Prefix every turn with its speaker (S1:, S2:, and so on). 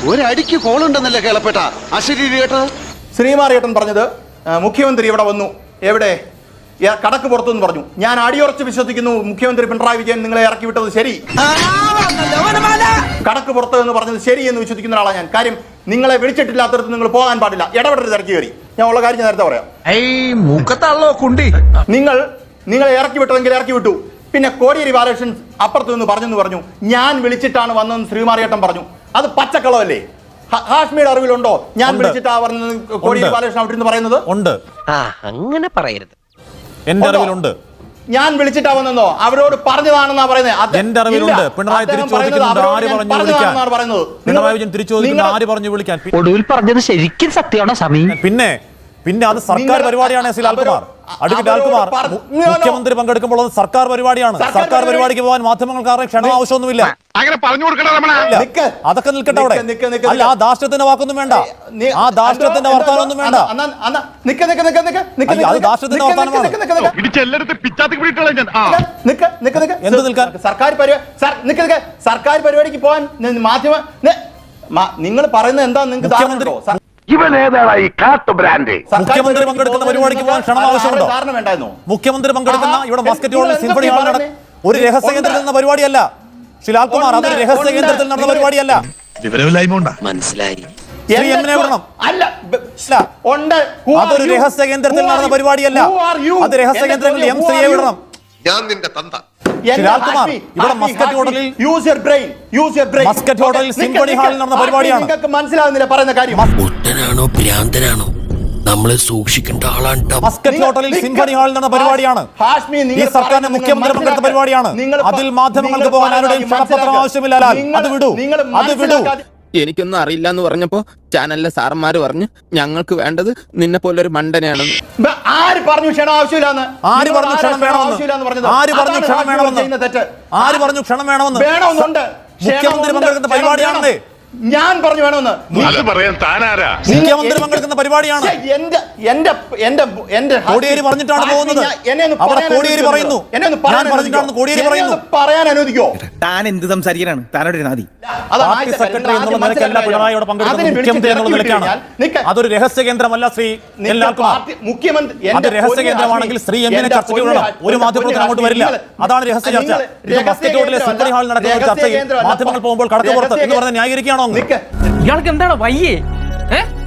S1: ഒരടിക്ക് കോളുണ്ടെന്നല്ലേ കേളപ്പെട്ട അശരീരി കേട്ടത്.
S2: ശ്രീമാറിയേട്ടൻ പറഞ്ഞത് മുഖ്യമന്ത്രി ഇവിടെ വന്നു, എവിടെ കടക്ക് പുറത്തുനിന്ന് പറഞ്ഞു. ഞാൻ അടിയുറച്ച് വിശ്വസിക്കുന്നു മുഖ്യമന്ത്രി പിണറായി വിജയൻ നിങ്ങളെ ഇറക്കി വിട്ടത് ശരി, കടക്ക് പുറത്ത് എന്ന് പറഞ്ഞത് ശരി എന്ന് വിശ്വസിക്കുന്ന ആളാണ് ഞാൻ. കാര്യം നിങ്ങളെ വിളിച്ചിട്ടില്ലാത്തടത്ത് നിങ്ങൾ പോകാൻ പാടില്ല, ഇടപെടരുത് ഇറക്കി കയറി. ഞാൻ ഉള്ള കാര്യം ഞാൻ നേരത്തെ പറയാം. നിങ്ങളെ ഇറക്കി വിട്ടതെങ്കിൽ ഇറക്കി വിട്ടു. പിന്നെ കോടിയേരി ബാലകൃഷ്ണൻ അപ്പുറത്ത് നിന്ന് പറഞ്ഞു ഞാൻ വിളിച്ചിട്ടാണ് വന്നതെന്ന് ശ്രീമാറിയേട്ടൻ പറഞ്ഞു. അത് പച്ചക്കളമല്ലേ? ഹാഷ്മിയുടെ അറിവിലുണ്ടോ ഞാൻ വിളിച്ചിട്ടാ പറഞ്ഞത് കോടിയേരി ബാലകൃഷ്ണൻ അവിടെ നിന്ന് പറയുന്നത്?
S3: ഉണ്ട്,
S4: അങ്ങനെ പറയരുത്.
S3: എന്റെ അറിവിലുണ്ട്.
S2: ഞാൻ വിളിച്ചിട്ടാ വന്നെന്നോ അവരോട് പറഞ്ഞതാണെന്നാ പറയുന്നത്.
S3: എന്റെ അറിവിലുണ്ട്. പിണറായി തിരിച്ചോദിക്കുന്നുണ്ട് ആര് പറഞ്ഞു വിളിക്കാൻ. പിണറായി വിജയൻ തിരിച്ചോദിക്കുന്നത് ആര് പറഞ്ഞു വിളിക്കാൻ.
S4: ഒടുവിൽ പറഞ്ഞത് ശരിക്കും സത്യമാണോ സമീ?
S3: പിന്നെ അത് സർക്കാർ പരിപാടിയാണ്. ലാൽകുമാർ, അഡ്വക്കേറ്റ് ലാൽകുമാർ, മുഖ്യമന്ത്രി പങ്കെടുക്കുമ്പോൾ അത് സർക്കാർ പരിപാടിയാണ്. സർക്കാർ പരിപാടിക്ക് പോകാൻ മാധ്യമങ്ങൾക്കാരുടെ ക്ഷണം ആവശ്യമൊന്നുമില്ല. അതൊക്കെ നിൽക്കട്ടെ അവിടെ. അല്ല, ആ ദാഷ്ട്യത്തിന്റെ വാക്കൊന്നും വേണ്ട, ആ ദാഷ്ട്യത്തിന്റെ വർത്താനൊന്നും വേണ്ട. അത് ദാഷ്ട്യത്തിന്റെ വർത്താനമാണ്. എന്ത് നിൽക്കാൻ?
S2: സർക്കാർ പരിപാടിക്ക് പോകാൻ മാധ്യമ നിങ്ങൾ പറയുന്നത് എന്താ? നിങ്ങൾക്ക്
S3: മുഖ്യമന്ത്രി പങ്കെടുക്കുന്ന പരിപാടിക്ക് പോകാൻ ക്ഷണം ആവശ്യമുണ്ടോ? മുഖ്യമന്ത്രി പങ്കെടുക്കുന്ന ഇവിടെ മസ്കറ്റ് ഹോളിൽ സിംഫണി ഹാളിൽ നടന്ന ഒരു രഹസ്യ കേന്ദ്രത്തിൽ നടന്ന പരിപാടിയല്ല ലാൽകുമാർ. അതൊരു രഹസ്യ കേന്ദ്രത്തിൽ നടന്ന പരിപാടിയല്ല.
S4: മനസ്സിലായി.
S3: ശ്രീ എമ്മിനെ വിടണം. അതൊരു രഹസ്യ കേന്ദ്രത്തിൽ നടന്ന പരിപാടിയല്ല. അത് രഹസ്യ കേന്ദ്രങ്ങളിൽ എം ശ്രീയെ വിടണം. ലാൽകുമാർ, ഇവിടെ മസ്കറ്റ് ഹോട്ടലിൽ സിംഫണി ഹാളിൽ നടന്ന പരിപാടിയാണ്.
S2: മനസ്സിലാവുന്നില്ല പറയുന്ന കാര്യം.
S4: ഭ്രാന്തനാണോ? നമ്മളെ സൂക്ഷിക്കേണ്ട ആളാണ്.
S3: മസ്കറ്റ് ഹോട്ടലിൽ സിംഫണി ഹാളിൽ നടന്ന പരിപാടിയാണ്. ഈ സർക്കാരിന്റെ മുഖ്യമന്ത്രി പങ്കെടുത്ത പരിപാടിയാണ്. അതിൽ മാധ്യമങ്ങൾക്ക് പോകാൻ ആരുടെയും ക്ഷണപത്രം ആവശ്യമില്ല. അത് വിടൂ.
S5: എനിക്കൊന്നും അറിയില്ല എന്ന് പറഞ്ഞപ്പോ ചാനലിലെ സാറന്മാര് പറഞ്ഞു ഞങ്ങൾക്ക് വേണ്ടത് നിന്നെ പോലെ ഒരു മണ്ടനെയാണെന്ന്.
S2: ആര് പറഞ്ഞു ക്ഷണം ആവശ്യമില്ലാന്ന്?
S3: ആര് പറഞ്ഞു ക്ഷണം വേണമെന്ന്? ആര് പറഞ്ഞു ക്ഷണം വേണമെന്ന്? ആര് പറഞ്ഞു ക്ഷണം വേണമെന്ന്?
S2: വേണമെന്നുണ്ട്.
S3: മുഖ്യമന്ത്രി പങ്കെടുക്കുന്ന പരിപാടിയാണെന്നേ
S2: ഞാൻ പറഞ്ഞു വേണമെന്ന്.
S3: മുഖ്യമന്ത്രി പങ്കെടുക്കുന്ന പരിപാടിയാണ്. കോടിയേരി പറഞ്ഞിട്ടാണ് പോകുന്നത്. അവിടെ കോടിയേരി പറയുന്നു, ഞാൻ പറഞ്ഞിട്ടാണ് കോടിയേരി പറയുന്നു.
S2: പറയാൻ അനുവദിക്കോ?
S6: താൻ എന്ത് സംസാരിക്കാനാണ്? താനോട് നാദി
S3: പാർട്ടി സെക്രട്ടറി എന്നുള്ള നിലയ്ക്കല്ല പിണറായിയോട് പങ്കെടുക്കുന്നത്, മുഖ്യമന്ത്രി എന്നുള്ള നിലയ്ക്കാണ്. അതൊരു രഹസ്യ കേന്ദ്രമല്ല ശ്രീ ലാൽകുമാർ. അത് രഹസ്യ കേന്ദ്രമാണെങ്കിൽ ശ്രീ എമ്മിനെ ചർച്ചയ്ക്ക് വിടണം. ഒരു മാധ്യമപ്രവർത്തനം അങ്ങോട്ട് വരില്ല. അതാണ് രഹസ്യ ചർച്ച. ഇത് മസ്കറ്റ് ഹോട്ടലിലെ സിംഫണി ഹാളിൽ നടക്കുന്ന ചർച്ചയിൽ മാധ്യമങ്ങൾ പോകുമ്പോൾ കടക്ക് പുറത്ത് എന്ന് പറഞ്ഞ് ന്യായീകരിക്കുകയാണോ?
S7: ഇയാൾക്ക് എന്താണ് വയ്യേ?